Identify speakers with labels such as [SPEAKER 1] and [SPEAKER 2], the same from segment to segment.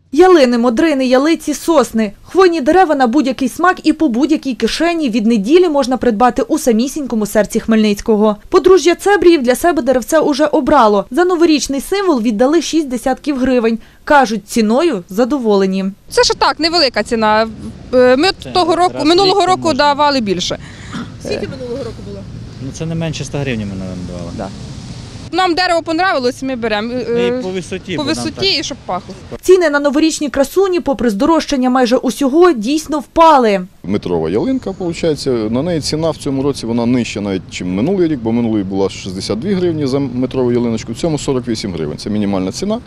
[SPEAKER 1] Ялини, модрини, ялиці, сосни. Хвойні дерева на будь-який смак і по будь-якій кишені від неділі можна придбати у самісінькому серці Хмельницького. Подружжя Цебріїв для себе деревце уже обрало. За новорічний символ віддали 6 десятків гривень. Кажуть, ціною задоволені.
[SPEAKER 2] Це ж так, невелика ціна. Ми минулого року давали більше.
[SPEAKER 3] Скільки минулого року було?
[SPEAKER 4] Ну це не менше 100 гривень ми давали.
[SPEAKER 2] Да. Нам дерево понравилось, ми беремо.
[SPEAKER 4] І по висоті.
[SPEAKER 2] По висоті і щоб пахло.
[SPEAKER 1] Ціни на новорічні красуні, попри здорожчання майже усього, дійсно впали.
[SPEAKER 5] Метрова ялинка, виходить, на неї ціна в цьому році вона нижча навіть, ніж минулий рік, бо минулий була 62 гривні за метрову ялиночку, в цьому 48 гривень, це мінімальна ціна.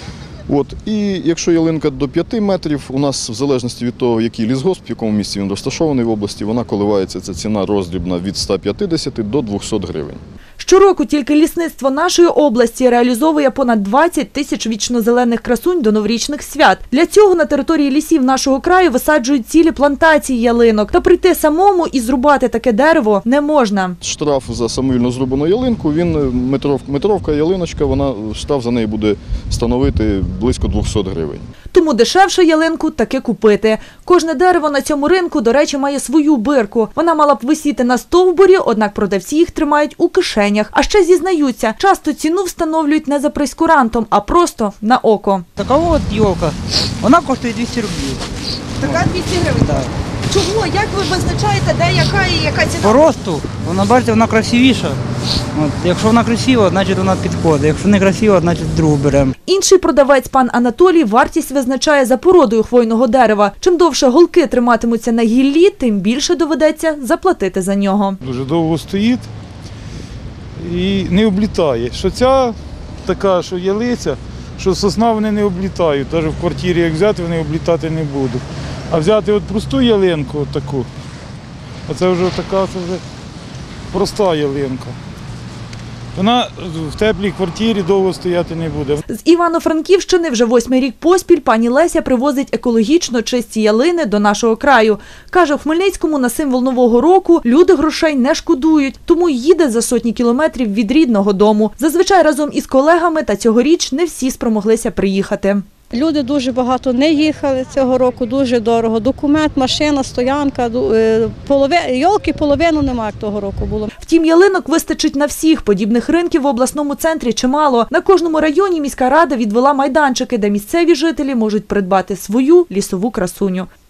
[SPEAKER 5] І якщо ялинка до 5 метрів, у нас в залежності від того, який лісгосп, в якому місці він розташований в області, вона коливається, ця ціна роздрібна від 150 до 200 гривень.
[SPEAKER 1] Щороку тільки лісництво нашої області реалізовує понад 20 тисяч вічнозелених красунь до новорічних свят. Для цього на території лісів нашого краю висаджують цілі плантації ялинок. Та прийти самому і зрубати таке дерево не можна.
[SPEAKER 5] Штраф за самовільно зрубану ялинку, метровка ялиночка, штраф за неї буде становити близько 200 гривень.
[SPEAKER 1] Тому дешевше ялинку таки купити. Кожне дерево на цьому ринку, до речі, має свою бирку. Вона мала б висіти на стовбурі, однак продавці їх тримають у кишенях. А ще зізнаються, часто ціну встановлюють не за прейскурантом, а просто на око.
[SPEAKER 6] Така от ялка, вона коштує 200 рублів.
[SPEAKER 3] Така 200 гривень?
[SPEAKER 6] Так.
[SPEAKER 3] Чому? Як ви визначаєте, де яка і яка ціна?
[SPEAKER 6] По росту, вона, бачите, вона красивіша. Якщо вона красива, значить вона підходить. Якщо не красива, значить другу беремо.
[SPEAKER 1] Інший продавець, пан Анатолій, вартість визначає за породою хвойного дерева. Чим довше голки триматимуться на гіллі, тим більше доведеться заплатити за нього.
[SPEAKER 7] Дуже довго стоїть і не облітає. Що ця така, що ялиця, що сосна, вони не облітають. Навіть в квартирі, як взяти, вони облітати не будуть. А взяти от просту ялинку, от таку, оце вже така, це вже проста ялинка. Вона в теплій квартирі довго стояти не буде.
[SPEAKER 1] З Івано-Франківщини вже 8-й рік поспіль пані Леся привозить екологічно чисті ялини до нашого краю. Каже, в Хмельницькому на символ Нового року люди грошей не шкодують, тому їде за сотні кілометрів від рідного дому. Зазвичай разом із колегами, та цьогоріч не всі спромоглися приїхати.
[SPEAKER 8] Люди дуже багато не їхали цього року, дуже дорого. Документ, машина, стоянка, йолки половину немає, як того року було.
[SPEAKER 1] Втім, ялинок вистачить на всіх. Подібних ринків в обласному центрі чимало. На кожному районі міська рада відвела майданчики, де місцеві жителі можуть придбати свою лісову красуню.